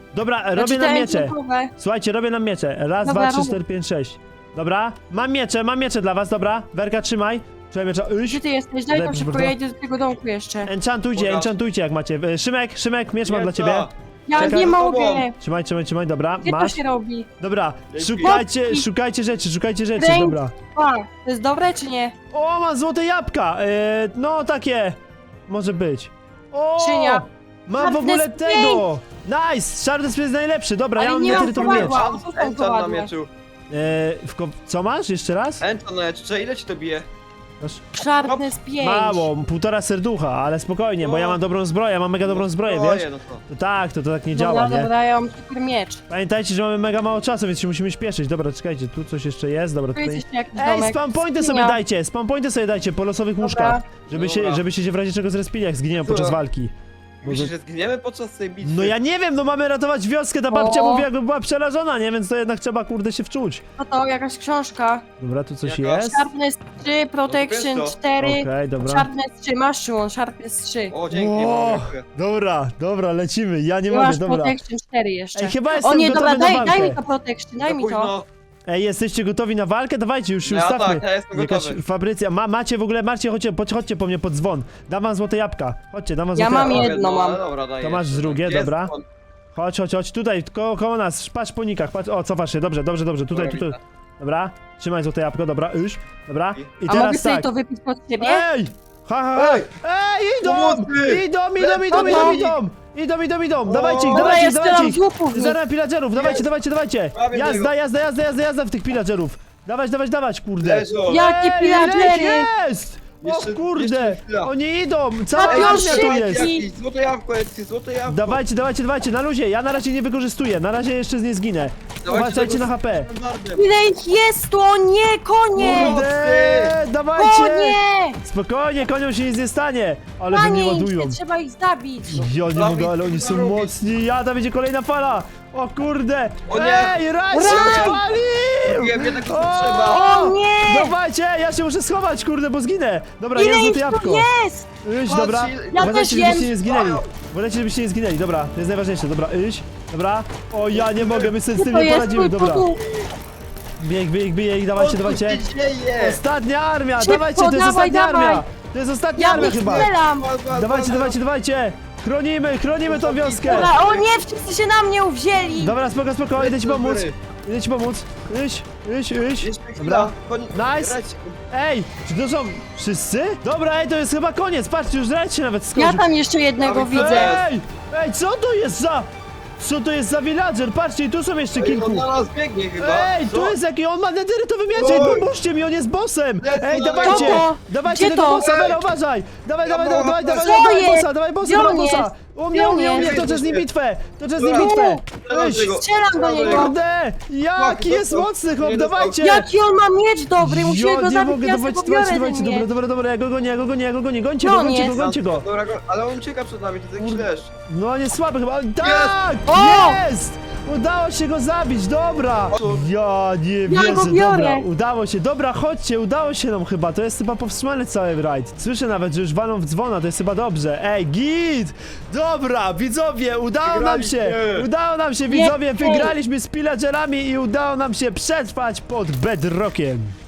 Speaker 1: Dobra, robię
Speaker 2: Znaczy,
Speaker 1: nam
Speaker 2: te
Speaker 1: miecze.
Speaker 2: enchantowe.
Speaker 1: Słuchajcie, robię nam miecze. Raz,
Speaker 2: Dobra,
Speaker 1: dwa, trzy,
Speaker 2: robię.
Speaker 1: 4, 5, 6. Dobra, mam miecze dla was, dobra. Werka, trzymaj. Trzymaj miecza.
Speaker 2: Gdzie ty jesteś? Daj
Speaker 1: Daj,
Speaker 2: tam szybko,
Speaker 1: proszę
Speaker 2: ja idę do tego domku jeszcze.
Speaker 1: Enchantujcie, enchantujcie jak macie. Szymek, miecz mam dla ciebie.
Speaker 2: Ja
Speaker 1: czekaj,
Speaker 2: nie
Speaker 3: za
Speaker 2: mogę.
Speaker 3: tobą.
Speaker 1: Trzymaj, dobra,
Speaker 2: Gdzie to
Speaker 1: masz.
Speaker 2: się robi?
Speaker 1: Dobra,
Speaker 3: Dzięki.
Speaker 1: szukajcie rzeczy,
Speaker 2: Ręk.
Speaker 1: dobra.
Speaker 2: A, to jest dobre czy nie?
Speaker 1: O, mam złote jabłka! No takie. Może być. O!
Speaker 2: Skrzynia.
Speaker 1: Mam w
Speaker 2: Sharpness
Speaker 1: ogóle tego! Nice! Sharpness jest najlepszy, dobra,
Speaker 2: Ale
Speaker 1: ja mam
Speaker 2: nie mam
Speaker 1: neterytowy miecz.
Speaker 2: kowadła.
Speaker 3: Enchant na mieczu.
Speaker 1: Co masz? Jeszcze raz?
Speaker 3: Enchant na mieczu, ile ci to bije?
Speaker 1: Masz
Speaker 2: Sharpness 5.
Speaker 1: mało, 1,5 serducha, ale spokojnie, bo ja mam dobrą zbroję, mam mega dobrą zbroję, wiesz?
Speaker 3: No to.
Speaker 1: To tak nie działa,
Speaker 2: Dobra,
Speaker 1: nie?
Speaker 2: dobra, ja mam super miecz.
Speaker 1: Pamiętajcie, że mamy mega mało czasu, więc się musimy śpieszyć. Dobra, czekajcie, tu coś jeszcze jest, dobra,
Speaker 2: Tu jest
Speaker 1: tutaj...
Speaker 2: jeszcze jakiś
Speaker 1: Ej,
Speaker 2: domek.
Speaker 1: spam pointy
Speaker 2: Skrzynia.
Speaker 1: sobie dajcie po losowych
Speaker 2: Dobra.
Speaker 1: łóżkach,
Speaker 3: Dobra.
Speaker 1: żebyście się w razie czego zrespili, jak zginiemy podczas
Speaker 3: Dobra.
Speaker 1: walki.
Speaker 3: Myślisz, że zginiemy podczas tej bitwy?
Speaker 1: No ja nie wiem, no mamy ratować wioskę, ta babcia
Speaker 2: O.
Speaker 1: mówi jakby była przerażona, nie? Więc to jednak trzeba, kurde, się wczuć.
Speaker 2: No to jakaś książka.
Speaker 1: Dobra, tu coś
Speaker 3: Jaka?
Speaker 1: jest.
Speaker 2: Sharpness 3, Protection
Speaker 3: No to
Speaker 2: 4.
Speaker 1: Okej, dobra.
Speaker 2: Sharpness 3, masz Szymon, Sharpness 3.
Speaker 3: O, dzięki,
Speaker 1: O,
Speaker 3: dziękuję.
Speaker 1: dobra, lecimy, ja nie
Speaker 2: I
Speaker 1: mogę,
Speaker 2: masz
Speaker 1: dobra.
Speaker 2: Protection 4 jeszcze.
Speaker 1: Ej, chyba
Speaker 2: O
Speaker 1: jestem
Speaker 2: nie,
Speaker 1: gotowy
Speaker 2: dobra,
Speaker 1: na walkę.
Speaker 2: daj mi to Protection, daj
Speaker 3: Za
Speaker 2: mi to.
Speaker 3: późno.
Speaker 1: Ej, jesteście gotowi na walkę? Dawajcie, już się
Speaker 3: Ja
Speaker 1: ustawmy.
Speaker 3: tak, ja jestem
Speaker 1: Jakaś
Speaker 3: gotowy.
Speaker 1: Fabrycja, macie w ogóle, chodźcie po mnie pod dzwon. Dam wam złote jabłka. Chodźcie, dam wam
Speaker 2: Ja
Speaker 1: złote
Speaker 2: mam
Speaker 1: jabłka.
Speaker 2: jedno mam.
Speaker 3: ale dobra, daj
Speaker 1: To masz
Speaker 3: jeszcze.
Speaker 1: drugie,
Speaker 3: Gdzie jest
Speaker 1: dobra.
Speaker 3: on?
Speaker 1: Chodź, tutaj, koło nas, patrz po nikach, patrz, o, cofasz się, dobrze, tutaj,
Speaker 3: Dobra,
Speaker 1: tutaj.
Speaker 3: widzę.
Speaker 1: Dobra, trzymaj złote jabłko, dobra, dobra. I
Speaker 2: A mogę
Speaker 1: teraz
Speaker 2: sobie
Speaker 1: tak.
Speaker 2: to wypić pod siebie?
Speaker 1: Ej! Ha!
Speaker 3: Ej!
Speaker 1: Ej, idą!
Speaker 3: Pomocy!
Speaker 1: Idą! Dawajcie ich,
Speaker 2: Dobra, ja strzelam
Speaker 1: ich!
Speaker 2: z łuków.
Speaker 1: Zaraz pillagerów, dawajcie!
Speaker 3: Prawie
Speaker 1: Jazda w tych pillagerów! Dawać, kurde!
Speaker 3: Leżą.
Speaker 2: Jakie
Speaker 1: Ej, ile ich
Speaker 2: pillagery!
Speaker 1: jest! O
Speaker 3: Jeszcze-
Speaker 1: kurde!
Speaker 3: jeszcze chwila.
Speaker 1: Oni idą! Cała
Speaker 2: Papier
Speaker 1: armia tu
Speaker 2: szybki.
Speaker 1: jest!
Speaker 3: Jakieś złote jabłko, złote jabłko.
Speaker 1: Dawajcie, na luzie, ja na razie nie wykorzystuję, na razie jeszcze nie zginę.
Speaker 3: Dawajcie
Speaker 1: Uważajcie
Speaker 3: tego
Speaker 1: na HP.
Speaker 3: standardem.
Speaker 2: Ile ich jest tu? O nie, konie!
Speaker 1: Kurde, dawajcie!
Speaker 2: Konie!
Speaker 1: Spokojnie, koniom się nic nie stanie! Ale wy
Speaker 2: Panie,
Speaker 1: nie
Speaker 2: im
Speaker 1: ładują.
Speaker 2: się trzeba ich zabić.
Speaker 1: Ja nie
Speaker 3: Dawid,
Speaker 1: mogę, ale oni
Speaker 3: co
Speaker 1: są
Speaker 3: robisz?
Speaker 1: mocni. Tam będzie kolejna fala. O kurde.
Speaker 3: O nie.
Speaker 1: Ej, Raj się
Speaker 2: Raj!
Speaker 1: odpalił!
Speaker 3: Wiem, jednak to
Speaker 1: O!
Speaker 3: trzeba.
Speaker 2: O nie!
Speaker 1: Dawajcie, ja się muszę schować, kurde, bo zginę. Dobra,
Speaker 2: Ile
Speaker 1: jest
Speaker 2: ich
Speaker 1: złote
Speaker 2: tu
Speaker 1: jabłko.
Speaker 2: jest?
Speaker 1: Iść,
Speaker 3: Patrz,
Speaker 1: dobra.
Speaker 3: ile-
Speaker 2: Ja
Speaker 1: Uważajcie,
Speaker 2: też
Speaker 1: żebyście
Speaker 2: jem.
Speaker 1: nie zginęli. Uważajcie, żebyście nie zginęli, dobra. To jest najważniejsze, dobra, iść. Dobra. O, ja nie mogę, my sobie z tym
Speaker 2: To
Speaker 1: nie
Speaker 2: jest
Speaker 1: poradzimy,
Speaker 2: twój
Speaker 1: dobra.
Speaker 2: podół.
Speaker 1: Bieg,
Speaker 3: Co
Speaker 1: dawajcie.
Speaker 3: tu się dzieje?
Speaker 1: Ostatnia armia,
Speaker 2: Szybko,
Speaker 1: dawajcie, to jest
Speaker 2: dawaj,
Speaker 1: ostatnia
Speaker 2: dawaj.
Speaker 1: armia. To jest ostatnia
Speaker 2: Ja
Speaker 1: armia
Speaker 2: ich
Speaker 1: chyba.
Speaker 2: strzelam.
Speaker 1: Dawajcie. Chronimy tą wioskę.
Speaker 2: Dobra, o nie, wszyscy się na mnie uwzięli.
Speaker 1: Dobra, spoko, idę ci pomóc. Iść.
Speaker 3: Jeszcze
Speaker 1: Dobra.
Speaker 3: chwila.
Speaker 1: Nice.
Speaker 3: Grać.
Speaker 1: Ej, czy to są wszyscy? Dobra, ej, to jest chyba koniec, patrzcie, już Red się nawet
Speaker 2: Ja
Speaker 1: skończył.
Speaker 2: tam jeszcze jednego
Speaker 3: Dawid,
Speaker 2: widzę.
Speaker 1: Ej, co to jest za villager? Patrzcie, i tu są jeszcze
Speaker 3: Ej,
Speaker 1: kilku.
Speaker 3: on na nas biegnie chyba.
Speaker 1: Ej, tu
Speaker 3: Co?
Speaker 1: jest jaki, on ma nederytowy miecz,
Speaker 3: Oj.
Speaker 1: pomóżcie mi, on jest bossem.
Speaker 3: Lecę
Speaker 1: Ej,
Speaker 3: na
Speaker 1: dawajcie,
Speaker 2: niego.
Speaker 1: dawajcie
Speaker 2: Gdzie
Speaker 1: tego
Speaker 2: to?
Speaker 1: bossa,
Speaker 3: Ej.
Speaker 1: Vera, uważaj. Dawaj,
Speaker 3: Co
Speaker 1: bossa, dawaj bossa,
Speaker 2: Gdzie on
Speaker 1: bossa.
Speaker 2: jest?
Speaker 1: U
Speaker 2: Gdzie on
Speaker 1: mnie,
Speaker 2: jest?
Speaker 1: toczę z nim bitwę.
Speaker 3: Dobra.
Speaker 1: Iść.
Speaker 2: Strzelam do niego.
Speaker 1: Kurde, jaki jest
Speaker 3: dostał.
Speaker 1: mocny chłop,
Speaker 3: Nie dostał.
Speaker 1: dawajcie.
Speaker 2: Jaki on ma miecz dobry, musimy go
Speaker 1: nie
Speaker 2: zabić,
Speaker 1: mogę,
Speaker 2: ja sobie go biorę
Speaker 1: dawajcie,
Speaker 2: ze mnie.
Speaker 1: dobra, ja go gonię, gońcie
Speaker 2: No, nie.
Speaker 1: gońcie go.
Speaker 3: Dobra, ale on ucieka przed nami, to jest jakiś deszcz.
Speaker 1: No nie słaby chyba, tak,
Speaker 2: O!
Speaker 1: jest! Udało się go zabić, dobra! Ja nie
Speaker 2: Ja go
Speaker 1: wierzę,
Speaker 2: biorę.
Speaker 1: dobra, udało się, dobra, chodźcie, udało się nam chyba, to jest chyba powstrzymany cały rajd. Słyszę nawet, że już walą w dzwona, to jest chyba dobrze. Ej, git! Dobra, widzowie, udało nam się, widzowie,
Speaker 2: Jej.
Speaker 1: wygraliśmy z pillagerami i udało nam się przetrwać pod bedrockiem.